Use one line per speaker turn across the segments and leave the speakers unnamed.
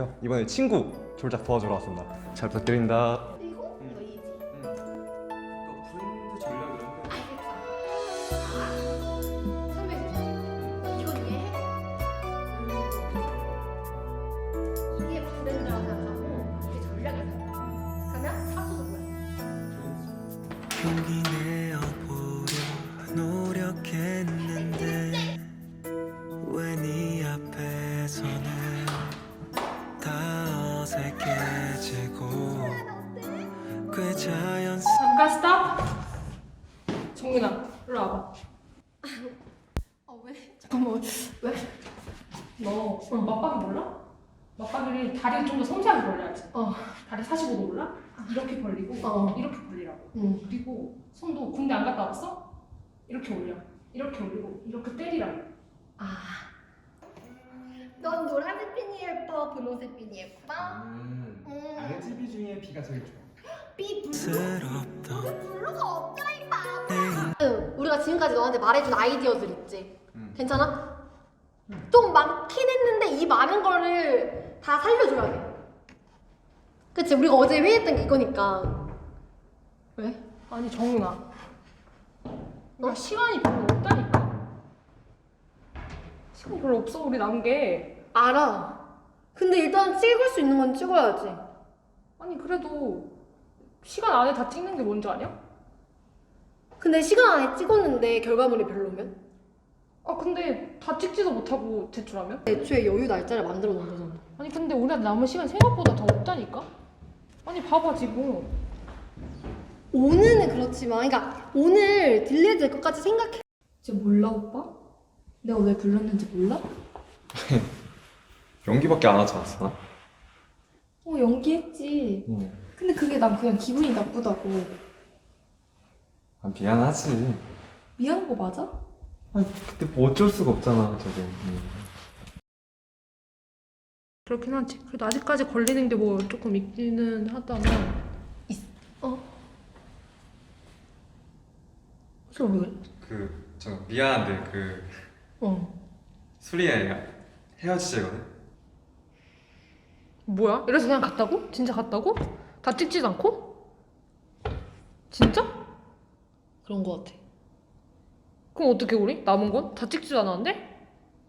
하고요. 이번에 친구 졸작 도와주러 왔습니다. 잘 부탁드립니다.
그리고 너희지.
브랜드 전략 이런 거.
설명해줄게. 이거 이해해? 이게 브랜드라고 생각하고 이게 전략을 생각해. 그러면 사수도 뭐야?
용기 내어보려 노력했는데 왜 네 앞에서는 다 어색해지고 꽤
잠깐 스탑! 정민아, 일로 와봐.
왜?
잠깐만, 왜? 너 오늘 맞박이 몰라? 맞박이를 다리를 좀 더 섬세하게 벌려야지. 다리 45도 올라? 이렇게 벌리고 이렇게 벌리라고. 그리고 손도 군대 안 갔다 왔어? 이렇게 올려. 이렇게 올리고 이렇게 때리라고.
넌 노란색 핀이 예뻐, 분홍색 핀이 예뻐?
RGB 중에 B가 제일 좋아.
B 블루?
스럽던
블루가 없다니까.
내
우리가 지금까지 너한테 말해준 아이디어들 있지? 괜찮아? 좀 많긴 했는데 이 많은 거를 다 살려줘야 돼. 그치? 우리가 어제 회의했던 게 이거니까. 왜?
아니 정민아, 나 시간이 별로 없다니까. 시간 별로 없어 우리 남은 게.
알아. 근데 일단 찍을 수 있는 건 찍어야지.
아니 그래도 시간 안에 다 찍는 게 뭔지 아냐?
근데 시간 안에 찍었는데 결과물이 별로면?
아 근데 다 찍지도 못하고 제출하면?
애초에 여유 날짜를 만들어 놓은 거잖아.
아니 근데 우리한테 남은 시간 생각보다 더 없다니까? 아니 봐봐 지금.
오늘은 그렇지만, 그러니까 오늘 딜레이 될 것까지 생각해.
쟤 몰라 오빠? 내가 왜 불렀는지 몰라?
연기밖에 안 하지 않았어?
연기했지. 근데 그게 난 그냥 기분이 나쁘다고.
아, 미안하지.
미안한 거 맞아?
아니, 근데 뭐 어쩔 수가 없잖아, 저게.
그렇긴 하지. 그래도 아직까지 걸리는 게 뭐 조금 있기는 하다만.
저 왜 그래?
저 미안한데 수리야 헤어지자거든.
뭐야? 이래서 그냥 갔다고? 진짜 갔다고? 다 찍지도 않고? 진짜?
그런 거 같아.
그럼 어떻게 우리? 남은 건? 다 찍지도 않았는데?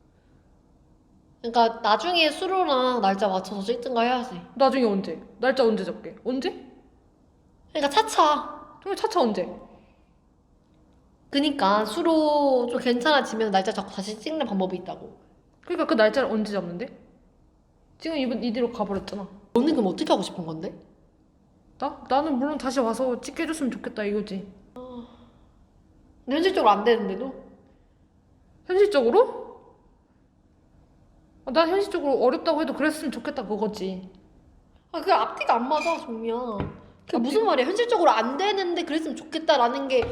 그러니까 나중에 수로랑 날짜 맞춰서 찍든가 해야지.
나중에 언제? 날짜 언제 잡게? 언제?
그러니까 차차.
정말 차차 언제?
그니까 수로 좀 괜찮아지면 날짜 잡고 다시 찍는 방법이 있다고.
그러니까 그 날짜를 언제 잡는데? 지금 이대로 가버렸잖아.
너는 그럼 어떻게 하고 싶은 건데?
나는 물론 다시 와서 찍게 해줬으면 좋겠다 이거지.
근데 현실적으로 안 되는데도?
현실적으로? 난 현실적으로 어렵다고 해도 그랬으면 좋겠다 그거지.
그게 앞뒤가 안 맞아, 정미야. 그게 무슨 말이야? 현실적으로 안 되는데 그랬으면 좋겠다라는 게.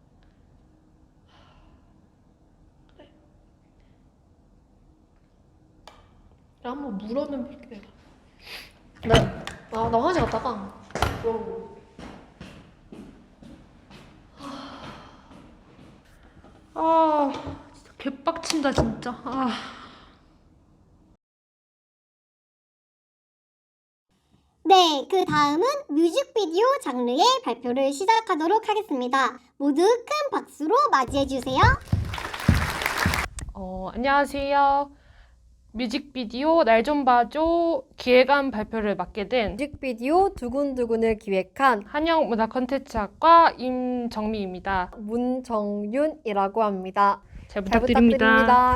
그래, 한번 물어는 볼게. 나 화장실 갔다가 물어보고.
진짜 개빡친다 진짜.
네, 그 다음은 뮤직비디오 장르의 발표를 시작하도록 하겠습니다. 모두 큰 박수로 맞이해주세요.
안녕하세요. 뮤직비디오 날 좀 봐줘 기획안 발표를 맡게 된
뮤직비디오 두근두근을 기획한
한영문화콘텐츠학과 임정미입니다.
문정윤이라고 합니다.
잘
잘
부탁드립니다.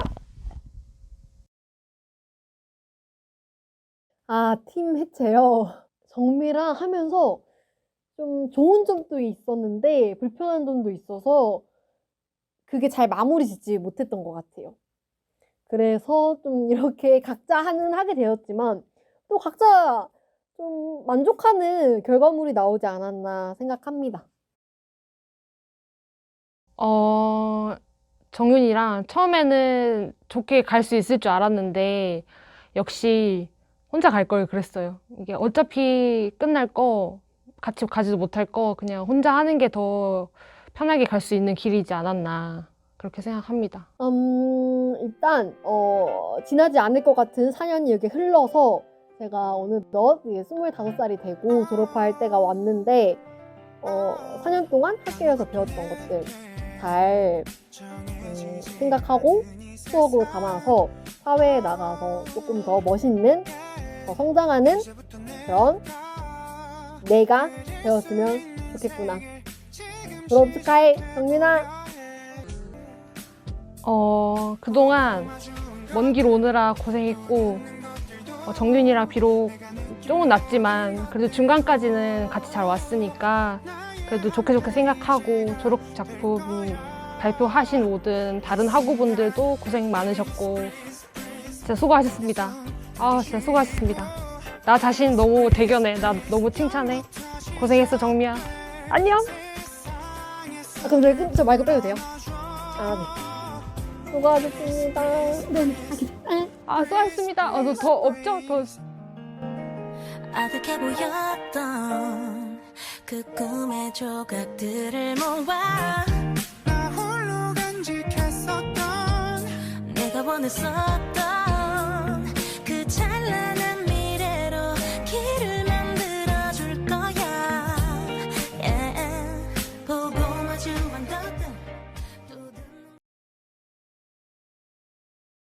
팀 해체요. 정미랑 하면서 좀 좋은 점도 있었는데 불편한 점도 있어서 그게 잘 마무리 짓지 못했던 것 같아요. 그래서 좀 이렇게 각자 하게 되었지만 또 각자 좀 만족하는 결과물이 나오지 않았나 생각합니다.
정윤이랑 처음에는 좋게 갈 수 있을 줄 알았는데 역시 혼자 갈 걸 그랬어요. 이게 어차피 끝날 거 같이 가지도 못할 거 그냥 혼자 하는 게 더 편하게 갈 수 있는 길이지 않았나 그렇게 생각합니다.
일단 지나지 않을 것 같은 4년이 이렇게 흘러서 제가 어느덧 이제 25살이 되고 졸업할 때가 왔는데 4년 동안 학교에서 배웠던 것들 잘 생각하고 추억으로 담아서 사회에 나가서 조금 더 멋있는, 더 성장하는 그런 내가 되었으면 좋겠구나. 졸업 축하해, 정민아.
그동안 먼 길 오느라 고생했고 정윤이랑 비록 조금 낮지만 그래도 중간까지는 같이 잘 왔으니까 그래도 좋게 생각하고 졸업 작품 발표하신 모든 다른 학우분들도 고생 많으셨고 진짜 수고하셨습니다. 진짜 수고하셨습니다. 나 자신 너무 대견해. 나 너무 칭찬해. 고생했어, 정미야. 안녕.
그럼 저 마이크 빼도 돼요? 네. 수고하셨습니다. 네.
수고하셨습니다. 너 더 없죠? 더.
아득해 보였던 그 꿈의 조각들을 모아
나 홀로 간직했었던
내가 원했었던